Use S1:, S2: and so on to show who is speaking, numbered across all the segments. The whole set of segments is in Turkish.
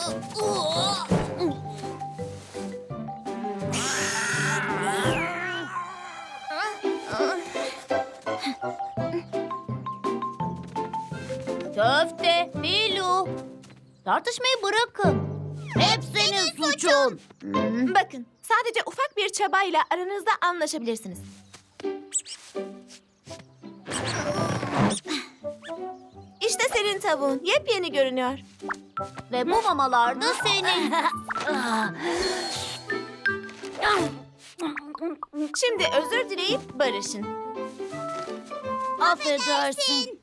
S1: Köfte, Bilu. Tartışmayı bırakın. Hep senin suçun.
S2: Bakın, sadece ufak bir çabayla aranızda anlaşabilirsiniz. İşte senin tavuğun. Yepyeni görünüyor.
S1: Ve bu mamalar da senin.
S2: Şimdi özür dileyip barışın.
S1: Affedersin.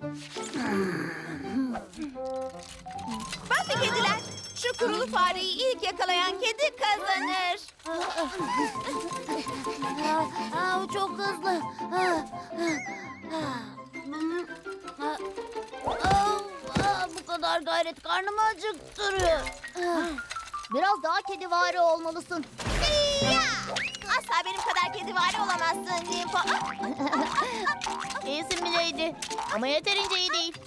S2: Bakın kediler, şu kurulu fareyi ilk yakalayan kedi kazanır.
S1: Aa, çok hızlı. Bu kadar gayret karnımı acıktırıyor. Biraz daha kedivari olmalısın.
S2: Asla benim kadar kedivari olamazsın Limpo.
S1: İyisin Milady. Ama yeterince iyi değil.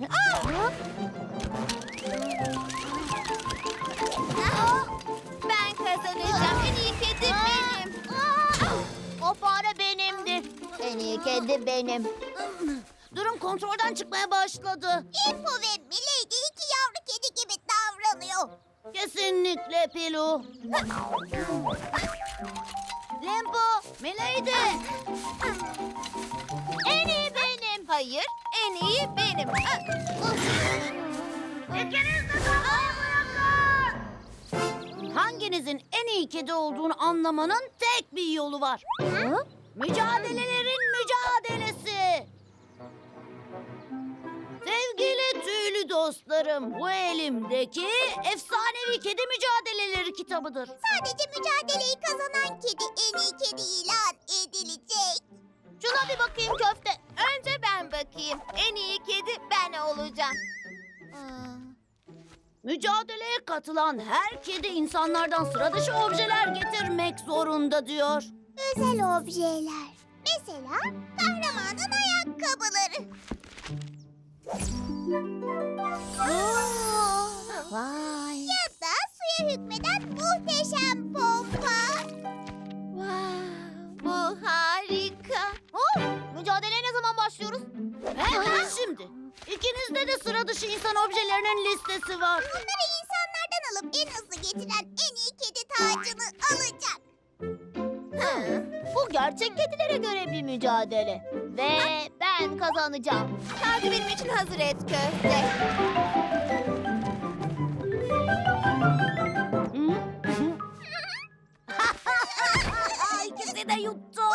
S2: Ben kazanacağım. En iyi kedi benim.
S1: O fare benimdir. En iyi kedi benim. Durum kontrolden çıkmaya başladı.
S3: Limpo ve Milady iki yavru kedi gibi davranıyor.
S1: Kesinlikle Pilu. Limpo, Milady. En iyi benim.
S2: Hayır, en iyi benim.
S1: Hanginizin en iyi kedi olduğunu anlamanın tek bir yolu var. Mücadelelerin mücadelesi. Sevgili tüylü dostlarım, bu elimdeki efsanevi kedi mücadeleleri kitabıdır.
S3: Sadece mücadeleyi kazanan kedi en iyi kedi ilan edilecek.
S1: Şuna bir bakayım köfte.
S2: Önce ben bakayım. En iyi kedi ben olacağım.
S1: Mücadeleye katılan her kedi insanlardan sıra dışı objeler getirmek zorunda diyor.
S3: Özel objeler. Mesela kahramanın ayakkabıları.
S1: Vay.
S3: Ya da suya hükmeden muhteşem pompa.
S2: Bu harika.
S1: Mücadeleye ne zaman başlıyoruz? Hemen şimdi. İkinizde de sıra dışı insan objelerinin listesi var.
S3: Bunları insanlardan alıp en hızlı getiren en iyi kedi tacını alacak.
S1: Bu gerçek kedilere göre bir mücadele. Ve ben kazanacağım.
S2: Kağıdı benim için hazır et köfte.
S1: İkisi de yuttu.